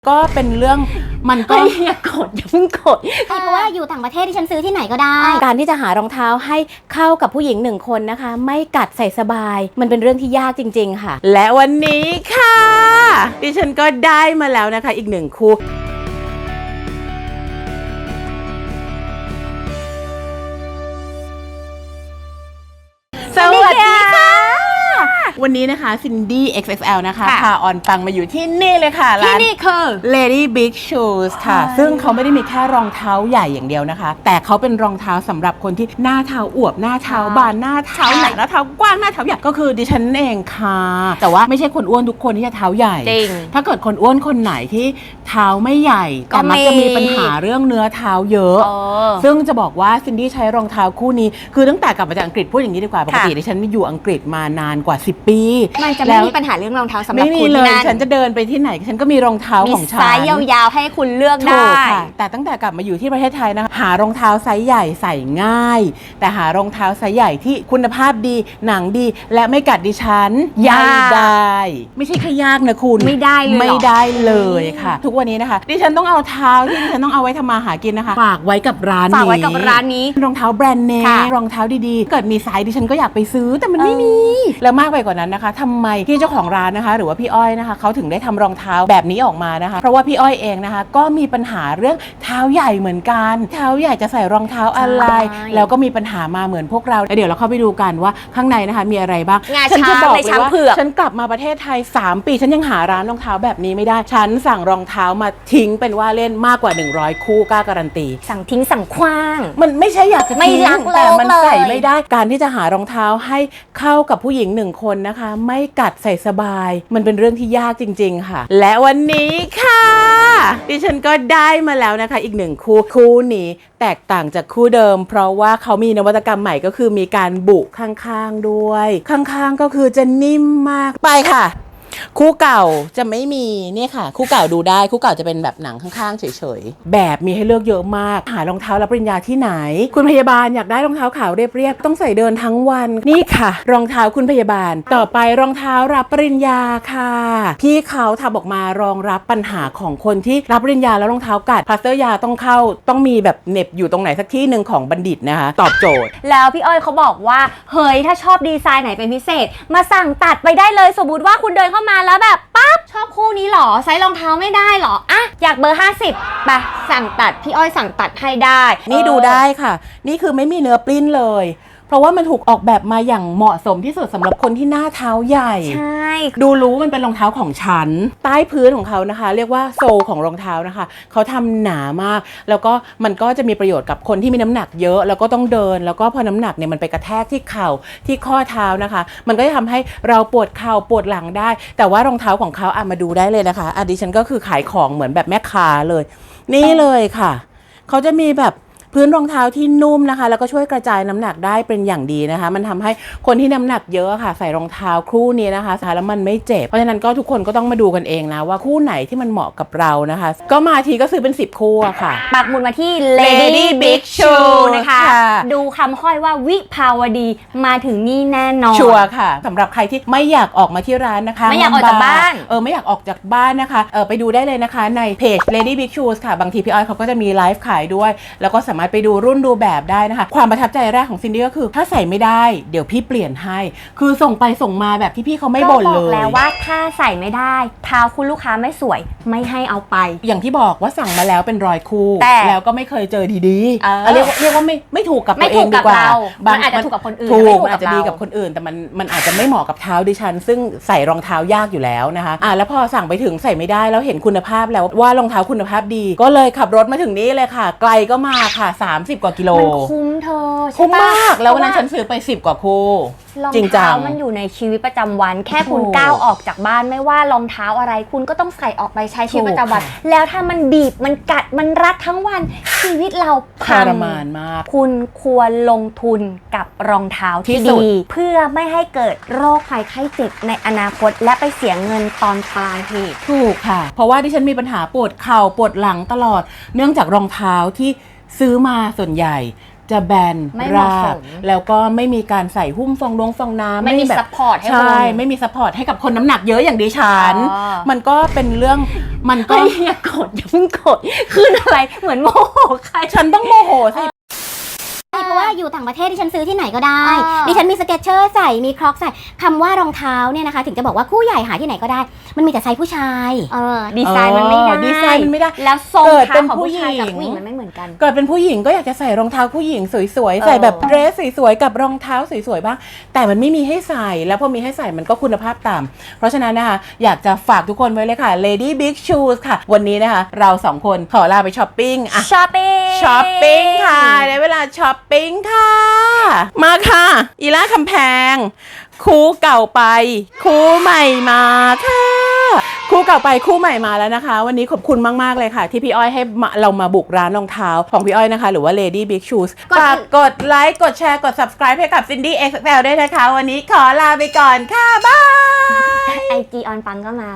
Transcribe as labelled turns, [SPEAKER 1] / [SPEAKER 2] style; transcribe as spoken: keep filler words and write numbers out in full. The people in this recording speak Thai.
[SPEAKER 1] ก็เป็นเรื่องมันก็
[SPEAKER 2] อย่ากดอย่าเพิ่งกดเพราะว่าอยู่ต่างประเทศที่ฉันซื้อที่ไหนก็ได้
[SPEAKER 3] การที่จะหารองเท้าให้เข้ากับผู้หญิงหนึ่งคนนะคะไม่กัดใส่สบายมันเป็นเรื่องที่ยากจริงๆค่ะ
[SPEAKER 1] และวันนี้ค่ะดิฉันก็ได้มาแล้วนะคะอีกหนึ่งคู่สวัสดีค่ะวันนี้นะคะซินดี้ เอ็กซ์ เอ็กซ์ แอล นะคะพาออนปังมาอยู่ที่นี่เลยค่ะ
[SPEAKER 2] ที่นี่คือ
[SPEAKER 1] Lady Big Shoes ค่ะซึ่งเขาไม่ได้มีแค่รองเท้าใหญ่อย่างเดียวนะคะแต่เขาเป็นรองเท้าสำหรับคนที่หน้าเท้าอวบหน้าเท้าบานหน้าเท้าหนักหน้าเท้ากว้างหน้าเท้าใหญ่ก็คือดิฉันเองค่ะแต่ว่าไม่ใช่คนอ้วนทุกคนที่จะเท้าใหญ่
[SPEAKER 2] จริง
[SPEAKER 1] ถ้าเกิดคนอ้วนคนไหนที่เท้าไม่ใหญ่แต่มักจะมีปัญหาเรื่องเนื้อเท้าเยอะซึ่งจะบอกว่าซินดี้ใช้รองเท้าคู่นี้คือตั้งแต่กลับมาจากอังกฤษพูดอย่างนี้ดีกว่าปกติดิฉันอยู่อังกฤษมานานกว่าสิบปี
[SPEAKER 2] มันจะไม่มีปัญหาเรื่องรองเท้าสำหรับคุณ
[SPEAKER 1] เลยฉันจะเดินไปที่ไหนฉันก็มีรองเท้าของฉัน
[SPEAKER 2] มีไซส์ยาวๆให้คุณเลือกได้
[SPEAKER 1] แต่ตั้งแต่กลับมาอยู่ที่ประเทศไทยนะคะหารองเท้าไซส์ใหญ่ใส่ง่ายแต่หารองเท้าไซส์ใหญ่ที่คุณภาพดีหนังดีและไม่กัดดิฉันยากได้ไม่ใช่แค่ยากนะคุณ
[SPEAKER 2] ไม่ได้เลย
[SPEAKER 1] ไม่ได้เลยค่ะทุกวันนี้นะคะดิฉันต้องเอาเท้าที่ดิฉันต้องเอาไว้ทำมาหากินนะคะฝากไว้กับร้านนี้
[SPEAKER 2] ฝากไว้กับร้านนี้
[SPEAKER 1] รองเท้าแบรนด์เนมรองเท้าดีๆเกิดมีไซส์ดิฉันก็อยากไปซื้อแต่มันไม่มีแล้วมากไปกว่านั้นนะคะทำไมที่เจ้าของร้านนะคะหรือว่าพี่อ้อยนะคะเขาถึงได้ทำรองเท้าแบบนี้ออกมานะคะเพราะว่าพี่อ้อยเองนะคะก็มีปัญหาเรื่องเท้าใหญ่เหมือนกันเท้าใหญ่จะใส่รองเท้าอะไรแล้วก็มีปัญหามาเหมือนพวกเราแล้วเดี๋ยวเราเข้าไปดูกันว่าข้างในนะคะมีอะไรบ้าง
[SPEAKER 2] ฉันจะบอกเลยว่า
[SPEAKER 1] ฉันกลับมาประเทศไทยสามปีฉันยังหาร้านรองเท้าแบบนี้ไม่ได้ฉันสั่งรองเท้ามาทิ้งเป็นว่าเล่นมากกว่าหนึ่งร้อยคู่กล้าการันตี
[SPEAKER 2] สั่งทิ้งสั่งคว้าง
[SPEAKER 1] มันไม่ใช่อยากจะทิ้งแต่มันใส่ไม่ได้การที่จะหารองเท้าให้เข้ากับผู้หญิงหนึ่งคนนะคะไม่กัดใส่สบายมันเป็นเรื่องที่ยากจริงๆค่ะและวันนี้ค่ะดิฉันก็ได้มาแล้วนะคะอีกหนึ่งคู่คู่นี้แตกต่างจากคู่เดิมเพราะว่าเขามีนวัตกรรมใหม่ก็คือมีการบุข้างๆด้วยข้างๆก็คือจะนิ่มมากไปค่ะคู่เก่าจะไม่มีเนี่ยค่ะคู่เก่าดูได้คู่เก่าจะเป็นแบบหนังข้างๆเฉยๆแบบมีให้เลือกเยอะมากหารองเท้ารับปริญญาที่ไหนคุณพยาบาลอยากได้รองเท้าขาวเรียบๆต้องใส่เดินทั้งวันนี่ค่ะรองเท้าคุณพยาบาลต่อไปรองเท้ารับปริญญาค่ะพี่เขาทำออกมารองรับปัญหาของคนที่รับปริญญาแล้วรองเท้ากัดพลาสเตอร์ยาต้องเข้าต้องมีแบบเหน็บอยู่ตรงไหนสักที่หนึ่งของบัณฑิตนะคะตอบโจทย์
[SPEAKER 2] แล้วพี่อ้อยเขาบอกว่าเฮ้ยถ้าชอบดีไซน์ไหนเป็นพิเศษมาสั่งตัดไปได้เลยสมมุติว่าคุณเดินเข้ามาแล้วแบบปั๊บชอบคู่นี้หรอไซส์รองเท้าไม่ได้หรออ่ะอยากเบอร์ห้าสิบไปสั่งตัดพี่อ้อยสั่งตัดให้ได้
[SPEAKER 1] นี่ดูได้ค่ะนี่คือไม่มีเนื้อปลิ้นเลยเพราะว่ามันถูกออกแบบมาอย่างเหมาะสมที่สุดสำหรับคนที่หน้าเท้าใหญ่
[SPEAKER 2] ใช่
[SPEAKER 1] ดูรู้มันเป็นรองเท้าของฉันใต้พื้นของเขานะคะเรียกว่าโซลของรองเท้านะคะเขาทำหนามากแล้วก็มันก็จะมีประโยชน์กับคนที่มีน้ำหนักเยอะแล้วก็ต้องเดินแล้วก็พอน้ำหนักเนี่ยมันไปกระแทกที่เข่าที่ข้อเท้านะคะมันก็จะทำให้เราปวดเข่าปวดหลังได้แต่ว่ารองเท้าของเขาอ่ะมาดูได้เลยนะคะอ่ะดิฉันก็คือขายของเหมือนแบบแม่ค้าเลยนี่เลยค่ะเขาจะมีแบบพื้นรองเท้าที่นุ่มนะคะแล้วก็ช่วยกระจายน้ำหนักได้เป็นอย่างดีนะคะมันทำให้คนที่น้ำหนักเยอะค่ะใส่รองเท้าคู่นี้นะคะใส่แล้วมันไม่เจ็บเพราะฉะนั้นก็ทุกคนก็ต้องมาดูกันเองนะว่าคู่ไหนที่มันเหมาะกับเรานะคะก็มาทีก็ซื้อเป็นสิบคู่ค่ะ
[SPEAKER 2] ปักหมุดมาที่ Lady Big Shoes นะคะดูคำค่อยว่าวิภาวดีมาถึงนี่แน่นอน
[SPEAKER 1] ชัวร์ค่ะสำหรับใครที่ไม่อยากออกมาที่ร้านนะคะ
[SPEAKER 2] ไม่อยากออกจากบ้าน
[SPEAKER 1] เออไม่อยากออกจากบ้านนะคะเออไปดูได้เลยนะคะในเพจ Lady Big Shoes ค่ะบางทีพี่อ้อยเขาก็จะมีไลฟ์ขายด้วยแล้วก็สามารถไปดูรุ่นดูแบบได้นะคะความประทับใจแรกของซินดี้ก็คือถ้าใส่ไม่ได้เดี๋ยวพี่เปลี่ยนให้คือส่งไปส่งมาแบบที่พี่เขาไม่บ่นเลย
[SPEAKER 2] ก็บอกแล้วว่าถ้าใส่ไม่ได้เท้าคุณลูกค้าไม่สวยไม่ให้เอาไป
[SPEAKER 1] อย่างที่บอกว่าสั่งมาแล้วเป็นร้อยคู่แล้วก็ไม่เคยเจอดีๆ
[SPEAKER 2] เออ
[SPEAKER 1] เรียกว่าเรียกว่าไม่ไม่ถูกกับตัวเองดีกว่า
[SPEAKER 2] มันอาจจะถูกกับคนอื่น
[SPEAKER 1] ถูกมันอาจจะดีกับคนอื่นแต่มันมันอาจจะไม่เหมาะกับเท้าดิฉันซึ่งใส่รองเท้ายากอยู่แล้วนะคะอ่ะแล้วพอสั่งไปถึงใส่ไม่ได้แล้วเห็นคุณภาพแล้วว่ารองเท้าคุณภาพดีก็เลยขับรถมาถึงนี้เลยค่ะไกลก็มาค่ะสามสิบกว่ากิโล
[SPEAKER 2] มันคุ้มเธอ
[SPEAKER 1] คุ้มมากแล้ววันนั้นฉันซื้อไปสิบกว่าคู่
[SPEAKER 2] รองเท้ามันอยู่ในชีวิตประจำวันแค่คุณก้าวออกจากบ้านไม่ว่ารองเท้าอะไรคุณก็ต้องใส่ออกไปใช้ชีวิตประจำวันแล้วถ้ามันบีบมันกัดมันรัดทั้งวันชีวิตเราพัง
[SPEAKER 1] ทรมานมาก
[SPEAKER 2] คุณควรลงทุนกับรองเท้าที่ดีเพื่อไม่ให้เกิดโรคภัยไข้เจ็บในอนาคตและไปเสียเงินตอนปลายเหตุ
[SPEAKER 1] ถูกค่ะเพราะว่าที่ฉันมีปัญหาปวดเข่าปวดหลังตลอดเนื่องจากรองเท้าที่ซื้อมาส่วนใหญ่จะแบน
[SPEAKER 2] ไม่เหมาะ
[SPEAKER 1] รา
[SPEAKER 2] ส
[SPEAKER 1] บ
[SPEAKER 2] ม
[SPEAKER 1] แล้วก็ไม่มีการใส่หุ้มฟองลงฟองน้ำ
[SPEAKER 2] ไม่มี
[SPEAKER 1] แบบ
[SPEAKER 2] ซัพพอร์ตให้
[SPEAKER 1] ใช่
[SPEAKER 2] คุณ
[SPEAKER 1] ไม่มีซัพพอร์ตให้กับคนน้ำหนักเยอะอย่างดิฉัน
[SPEAKER 2] อ๋อ
[SPEAKER 1] มันก็เป็นเรื่องมันก็
[SPEAKER 2] เฮ้ยอย่ากดอย่าเพิ่งกดขึ้นอะไรเหมือนโมโหใคร
[SPEAKER 1] ฉันต้องโมโหสิ
[SPEAKER 3] เพราะว่าอยู่ต่างประเทศที่ฉันซื้อที่ไหนก็ได้
[SPEAKER 2] อ่า
[SPEAKER 3] ดิฉันมีสเก็ตเชอร์ใส่มีครอกใส่คำว่ารองเท้าเนี่ยนะคะ ถึงจะบอกว่าคู่ใหญ่หาที่ไหนก็ได้ มันมีแต่ไซส์ผู้ชาย
[SPEAKER 2] เออดีไซน์มันไม่ได้
[SPEAKER 1] เออดีไซน์มันไม่ได้
[SPEAKER 2] แล้วทรง
[SPEAKER 1] เกิด
[SPEAKER 2] เท้า
[SPEAKER 1] เป็น
[SPEAKER 2] ของ
[SPEAKER 1] ผู้
[SPEAKER 2] ผู้ชายกับ
[SPEAKER 1] หญิง
[SPEAKER 2] ผู้หญิงมันไม่เหมือนกัน
[SPEAKER 1] เกิดเป็นผู้หญิงก็อยากจะใส่รองเท้าผู้หญิงสวยๆ ใส่
[SPEAKER 2] เออ
[SPEAKER 1] แบบเดรสสวยๆ กับรองเท้าสวยๆ บ้าง แต่มันไม่มีให้ใส่ แล้วพอมีให้ใส่มันก็คุณภาพต่ำเพราะฉะนั้นนะคะอยากจะฝากทุกคนไว้เลยค่ะ Lady Big Shoes ค่ะ วันนี้นะคะเราสองคนขอลาไปช้อปปิ้งอะ
[SPEAKER 2] ช้อปปิ้ง
[SPEAKER 1] ช้อปปิ้งค่ะได้เวลาช้อปปิ้งค่ะ มาค่ะ อีล่าคำแพง คู่เก่าไป คู่ใหม่มาค่ะ คู่เก่าไปคู่ใหม่มาแล้วนะคะ วันนี้ขอบคุณมากๆเลยค่ะ ที่พี่อ้อยให้มาเรามาบุกร้านรองเท้าของพี่อ้อยนะคะ หรือว่า Lady Big Shoes
[SPEAKER 2] กด
[SPEAKER 1] ฝากกดไลค์กดแชร์กด subscribe ให้กับ Cindy เอ็กซ์ แอล ด้วยนะคะ วันนี้ขอลาไปก่อนค่ะ บาย
[SPEAKER 2] ไอจีออนปังก็มา